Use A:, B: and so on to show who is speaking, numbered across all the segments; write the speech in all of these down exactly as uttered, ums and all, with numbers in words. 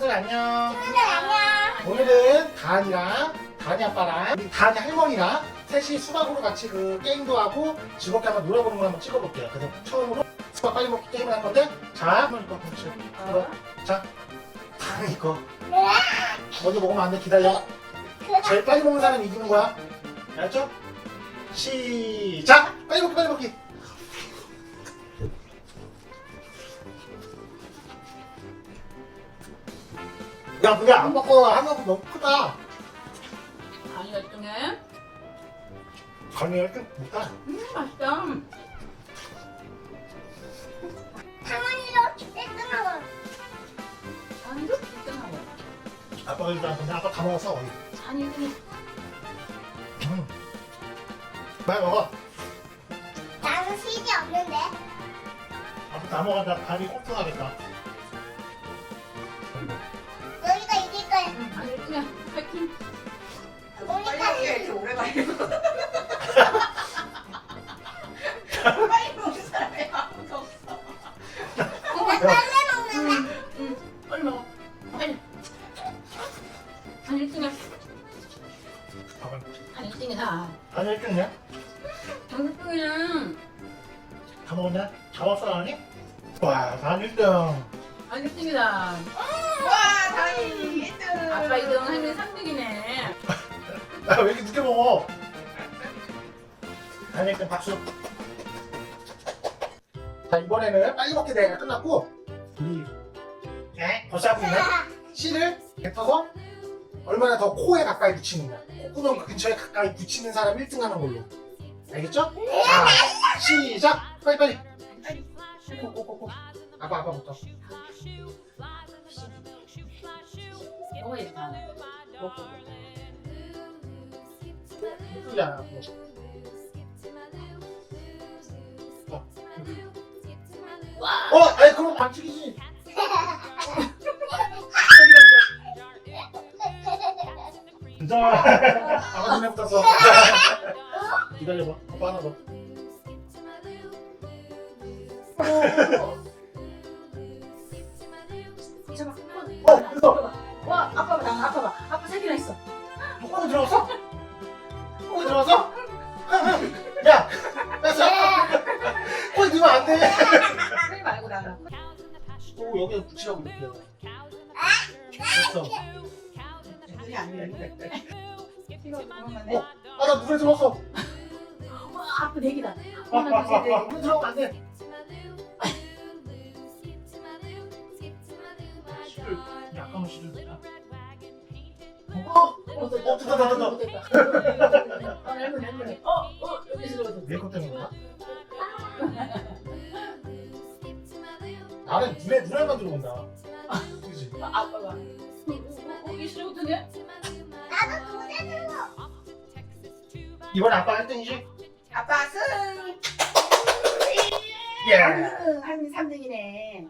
A: 친구들 안녕.
B: 친구들 안녕.
A: 오늘은 다한이랑 다한이 아빠랑 우리 다한이 할머니랑 셋이 수박으로 같이 그 게임도 하고 즐겁게 한번 놀아보는 걸 한번 찍어볼게요. 그래서 처음으로 수박 빨리 먹기 게임을 할 건데, 자, 할머니 거 그렇지. 이거, 자, 다한이 거 먼저 먹으면 안 돼. 기다려. 제일 빨리 먹는 사람이 이기는 거야. 알았죠? 시작. 빨리 먹기, 빨리 먹기. 야, 그게 안 먹고 하면 너무 크다.
B: 아니 열등해.
A: 간이가 좀 못다.
B: 음 맛있다.
C: 당연히도 일등하고
B: 아니도 일등하고.
A: 아빠가 일단 근데 아빠 다 먹었어. 거의.
B: 아니 일등해.
A: 음. 빨리 먹어.
C: 나는 실이 없는데.
A: 아빠 다 먹었다. 간이 꽁통하겠다.
C: 너희가 이길 거야.
B: 응, 아니 일등해. 파이팅.
C: 우리가
D: 빨리 이렇게 오래 가요. 빨리 먹는 사람이 아무도 없어.
C: 나 빨리 먹는다.
B: 응, 빨리 먹어. 빨리. 아니 일등해.
A: 봐봐.
B: 아니 일등이다.
A: 간이 일 등이야?
B: 장수풍이는
A: 다 먹었냐? 잡았어, 아니? 와, 간 일 등.
B: 아니 일등이다.
D: 와, 다행히 일 등.
B: 아빠 이 등, 할머니 삼 등이네.
A: 야, 왜 이렇게 늦게 먹어? 간 일 등 박수. 자, 이번에는 빨리 먹기 대회가 끝났고, 우리, 에? 벌써 하고 있네? 씨를 뱉어서 얼마나 더 코에 가까이 붙이느냐. 콧구멍 그 근처에 가까이 붙이는 사람 일 등 하는 걸로. 알겠죠? 자, 시작! 빨리, 빨리. 꼬꼬꼬꼬. 아빠, 아빠부터.
B: 먹어야겠다. 먹고.
A: 예쁘잖아.
B: 와!
A: 어, 아니, 그럼 반칙이지. 진짜. 아빠 눈에 붙었어. 기다려봐. 아빠 하나 더.
B: 잠깐.
A: 어, 됐어.
B: 와, 아빠 봐, 아빠 봐. 아빠 세 개나 있어.
A: 코에 들어갔어? 코에 들어갔어? 야, 뺐어. 코에 들면 안 돼.
B: 세 말고 나가.
A: 또 여기에 붙이라고 이렇게. 됐어.
D: 눈이 안 열리네. 이거 그러면
A: 어, 아, 나 물에 들어갔어.
B: 와, 아빠 네 개다.
A: 아,
B: 하나,
A: 아,
B: 둘, 셋, 넷.
A: 아, 아, 물에 들어가면 안 돼. 씨를, 약간 씨를 넣자. 어, 어, 어, 됐다, 됐다, 됐다.
B: 어, 할머니, 할머니. 어, 어, 여기서 들어가서.
A: 내것 때문인가? 나는 눈에, 눈에만 들어온다. 그지?
B: 아, 아빠가. 어, 어, 어, 이 수레부터네?
C: 나도 두개 들고.
A: 이번에 아빠 일 등이지?
D: 아빠 승.
A: 예.
D: 할머니 할머니 삼 등이네.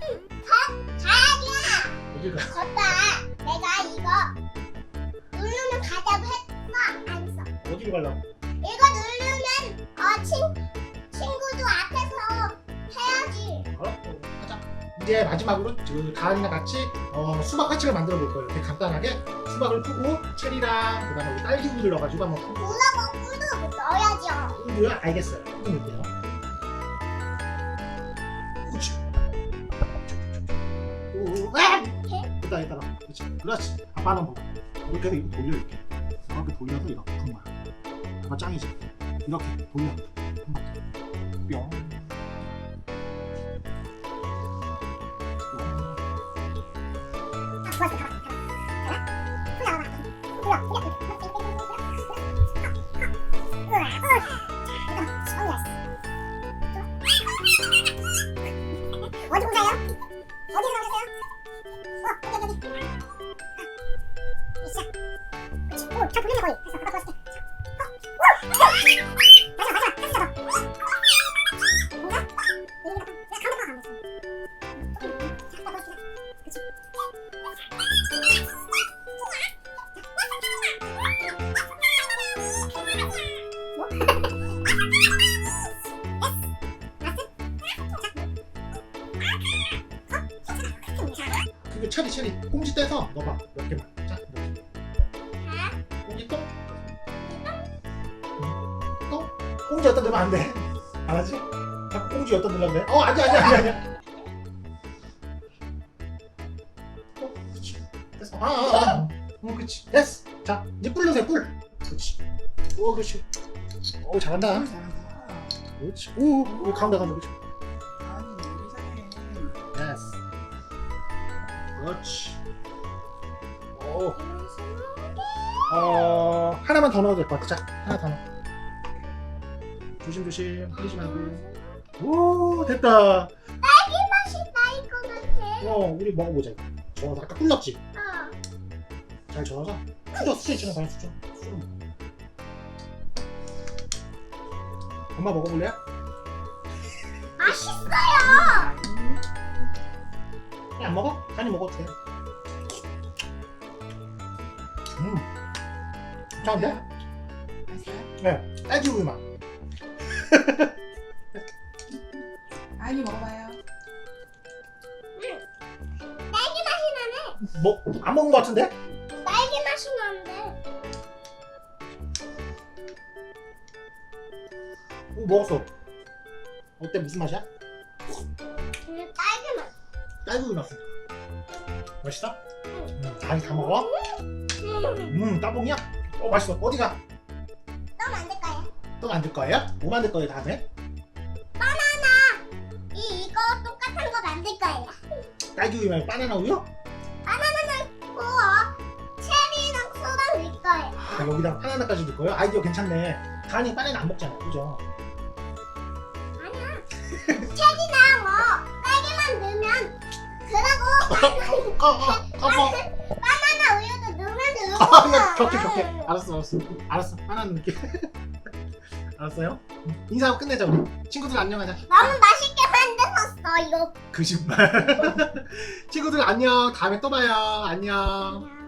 C: 자야야.
A: 어디 가?
C: 걷다. 내가 이거 누르면 가자고 했어. 안 써.
A: 어디로 가려고?
C: 이거 누르면 어 친, 친구도 앞에서 해야지.
A: 알았어. 가자. 이제 마지막으로 그 다한이랑 같이 어, 수박 파츠를 만들어 볼 거예요. 이렇게 간단하게 수박을 푸고 체리랑 그다음에 여기 딸기 우유 넣어가지고 한번 푸고.
C: 물하고 꿀도 넣어야죠.
A: 우유요? 알겠어요. 우유 넣을게요. 그렇지. 오, 아! 됐다, 됐다. 그렇지. 그렇지. 아빠는 뭐 이렇게 해서 이렇게 돌려 이렇게. 이렇게 돌려서 이렇게 푸는 거야. 아빠 짱이지. 이렇게 돌려. 한 바퀴. 뿅.
C: 어디 보세요? 어디서 나오셨어요? 어, 여기, 여기. 아, 시작. 그렇지. 오, 잘 돌리네, 거의. 됐어, 아빠 도와줄게. 자, 어, 오! 마지막, 마지막, 마지막.
A: 체리 체리 꽁지 떼서 넣어봐 몇 개만. 자 넣어. 꽁지 똥. 똥. 꽁지 어디다 넣으면 안 돼. 알았지? 자꾸 꽁지 어디다 넣으려고 그래. 어 아니야 아니야 아니야 아니야. 어, 그렇지. 됐어. 아, 아, 아. 어, 그렇지. 됐어. 자, 이제 꿀 넣으세요, 꿀. 그렇지. 오, 그렇지. 오, 잘한다. 그렇지. 오, 여기 가운데 가운데 그렇지.
D: 아니 우리 사랑해.
A: 됐어. 그렇지. 오, 어, 하나만 더 넣어도 될 것 같아. 자, 하나 더 넣어. 조심조심, 흘리지 말고. 오, 됐다.
C: 딸기 맛이 나일 것 같아.
A: 어, 우리 먹어보자. 이거. 저어서 아까 꿀 넣었지?
C: 어.
A: 잘 저어서. 수저, 수저 있잖아, 그냥 수저. 수저 먹어. 엄마 먹어볼래요?
C: 맛있어요.
A: 그냥 안 먹어? 간이 먹어도 돼. 음. 괜찮은데?
D: 맛있어요?
A: 네. 딸기 우유 맛.
D: 아니 먹어봐요.
C: 딸기 맛이 나네.
A: 뭐, 안 먹은 것 같은데?
C: 딸기 맛이 나는데.
A: 오, 먹었어. 어때? 무슨 맛이야?
C: 그냥 딸기 맛.
A: 딸기 우유 맛이야. 맛있어? 음, 다리 다 먹어?
C: 음.
A: 음, 따봉이야? 어, 맛있어. 어디가?
C: 또 만들 거야.
A: 또 만들 거예요? 뭐 만들 거예요, 다음에?
C: 이 이거 똑같은 거 만들 거예요.
A: 딸기 우유 말고 바나나 우유?
C: 우와. 체리랑 소다 넣을 거예요.
A: 아, 여기다 바나나까지 넣을 거예요? 아이디어 괜찮네. 다은이 바나나 안 먹잖아, 그죠?
C: 아니야. 체리랑 뭐 딸기만 넣으면 그러고
A: 어, 어, 어, 어.
C: 바나나 우유도 넣으면 되는
A: 아,
C: 거야.
A: 야, 격해, 격해. 알았어, 알았어. 알았어, 바나나 넣을게. 알았어요? 인사하고 끝내자, 우리. 친구들 안녕하자.
C: 너무 맛있게 만들었어 이거.
A: 거짓말. 친구들 안녕. 다음에 또 봐요. 안녕.
C: 안녕.